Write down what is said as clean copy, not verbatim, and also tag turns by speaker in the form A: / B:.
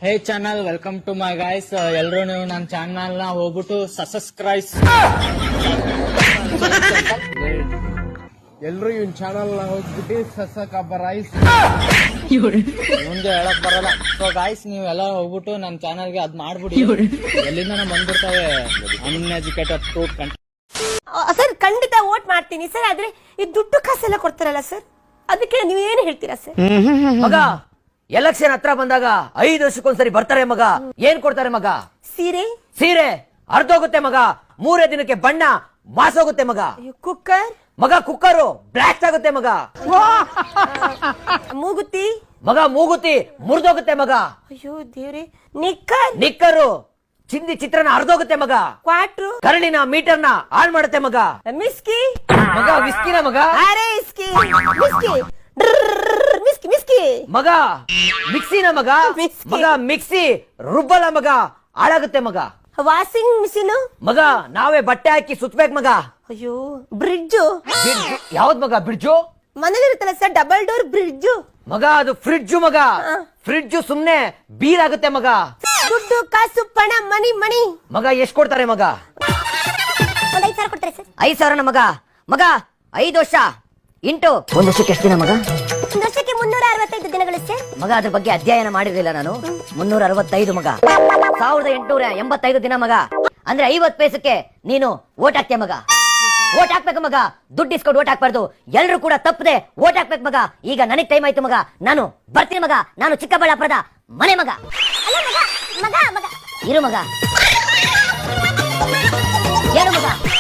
A: Hey channel welcome to my guys. ಎಲ್ಲರೂ ನೀವು ನನ್ನ ಚಾನಲ್ ನ ಹೋಗ್ಬಿಟ್ಟು ಸಬ್ಸ್ಕ್ರೈಬ್.
B: ಎಲ್ರು ಇವನ್ ಚಾನಲ್ ನ ಹೋಗ್ಬಿಟ್ಟು ಸಬ್ಸ್ಕ್ರೈಬ್
A: ಮುಂದೆ ಹೇಳಕ್ ಬರಲ್ಲ. ಸೊ ಗೈಸ್ ನೀವೆಲ್ಲ ಹೋಗ್ಬಿಟ್ಟು ನನ್ನ ಚಾನಲ್ಗೆ ಅದ್ ಮಾಡ್ಬಿಡಿ. ಎಲ್ಲಿಂದ ಬಂದ್ಬಿಡ್ತಾವೆ ಅನ್ಎಜುಕೇಟೆಡ್ ಫ್ರೂಟ್ ಕಂಟೆಂಟ್.
C: ಸರ್ ಖಂಡಿತ ವೋಟ್ ಮಾಡ್ತೀನಿ ಸರ್. ಆದ್ರೆ ಈ ದುಡ್ಡು ಕಾಸೆಲ್ಲ ಕೊಡ್ತಾರಲ್ಲ ಸರ್, ಅದಕ್ಕೆ ನೀವೇನು ಹೇಳ್ತೀರಾ ಸರ್?
D: ಮಗ ಎಲೆಕ್ಷನ್ ಹತ್ರ ಬಂದಾಗ 5 ವರ್ಷಕ್ಕೊಂದ್ಸರಿ ಬರ್ತಾರೆ ಮಗ. ಏನ್ ಕೊಡ್ತಾರೆ ಮಗ?
C: ಸೀರೆ,
D: ಸೀರೆ ಅರ್ಧೋಗುತ್ತೆ ಮಗ. 3 ದಿನಕ್ಕೆ ಬಣ್ಣ ಮಾಸೋಗುತ್ತೆ ಮಗ.
C: ಕುಕ್ಕರ್,
D: ಮಗ ಕುಕ್ಕರು ಬ್ಲಾಸ್ಟ್ ಆಗುತ್ತೆ ಮಗ.
C: ಮೂಗುತಿ,
D: ಮಗ ಮೂಗುತಿ ಮುರಿದೋಗುತ್ತೆ ಮಗ.
C: ಅಯ್ಯೋ ದೇವ್ರೆ, ನಿಕ್ಕರ್,
D: ನಿಕ್ಕರು ಚಿಂದಿ ಚಿತ್ರನ ಅರ್ಧೋಗುತ್ತೆ ಮಗ.
C: ಕ್ವಾಟ್ರು,
D: ಕರಳಿನ ಮೀಟರ್ನ ಆನ್ ಮಾಡುತ್ತೆ ಮಗ.
C: ಮಿಸ್ಕಿ,
D: ಮಗ ವಿಸ್ಕಿನ ಮಗ.
C: ಅರೆ ಇಸ್ಕಿ, ಮಿಸ್ಕಿ, ಮಿಸ್ಕಿ ಮಿಸ್ಕಿ,
D: ಮಗ ಮಿಕ್ಸಿನ ಮಗ.
C: ಮಿಕ್ಸಿ.
D: ಮಗ ಮಿಕ್ಸಿ ರುಬ್ಬಲ ಮಗ, ಹಾಳಾಗುತ್ತೆ ಮಗ.
C: ವಾಷಿಂಗ್ ಮಿಷಿನ್,
D: ಮಗ ನಾವೇ ಬಟ್ಟೆ ಹಾಕಿ ಸುತ್ಬೇಕು ಮಗ.
C: ಅಯ್ಯೋ ಬ್ರಿಡ್ಜ್,
D: ಯಾವ್ದ್ ಮಗ ಬ್ರಿಡ್ಜು?
C: ಮನೇಲಿರುತ್ತಲ್ಲ ಸರ್ ಡಬಲ್ ಡೋರ್ ಬ್ರಿಡ್ಜ್.
D: ಮಗ ಅದು ಫ್ರಿಡ್ಜ್ ಮಗ. ಫ್ರಿಡ್ಜ್ ಸುಮ್ನೆ ಬೀರ್ ಆಗುತ್ತೆ ಮಗ.
C: ದುಡ್ಡು ಕಾಸು ಪಣ ಮನಿ ಮನಿ.
D: ಮಗ ಎಷ್ಟ್ ಕೊಡ್ತಾರೆ ಮಗ?
C: 5,000 ಕೊಡ್ತಾರೆ ಸರ್.
D: 5,000 ಮಗ. ಮಗ 5 ವರ್ಷ ಇಂಟು 1 ವರ್ಷಕ್ಕೆ ಎಷ್ಟು ದಿನ ಮಗ?
C: ಒಂದು ವರ್ಷಕ್ಕೆ 365 ದಿನಗಳು ಸರ್.
D: ಮಗ ಅದ್ರ ಬಗ್ಗೆ ಅಧ್ಯಯನ ಮಾಡಿರ್ಲಿಲ್ಲ ನಾನು. 365 ಮಗ. 1885 ದಿನ ಮಗ. ಅಂದ್ರೆ 50 ಪೈಸಕ್ಕೆ ನೀನು ವೋಟ್ ಹಾಕ್ತೀಯ ಮಗ. ವೋಟ್ ಹಾಕ್ಬೇಕು ಮಗ. ದುಡ್ಡು ಇಸ್ಕೊಂಡು ವೋಟ್ ಹಾಕ್ಬಾರ್ದು. ಎಲ್ರು ಕೂಡ ತಪ್ಪದೆ ವೋಟ್ ಹಾಕ್ಬೇಕು ಮಗ. ಈಗ ನನಗ್ ಟೈಮ್ ಆಯ್ತು ಮಗ. ನಾನು ಬರ್ತೀನಿ ಮಗ. ನಾನು ಚಿಕ್ಕಬಳ್ಳಾಪುರದ ಮನೆ ಮಗ.
C: ಅಲ್ಲ ಮಗ ಮಗ ಮಗ
D: ಇರು ಮಗ. ಏನು ಮಗ?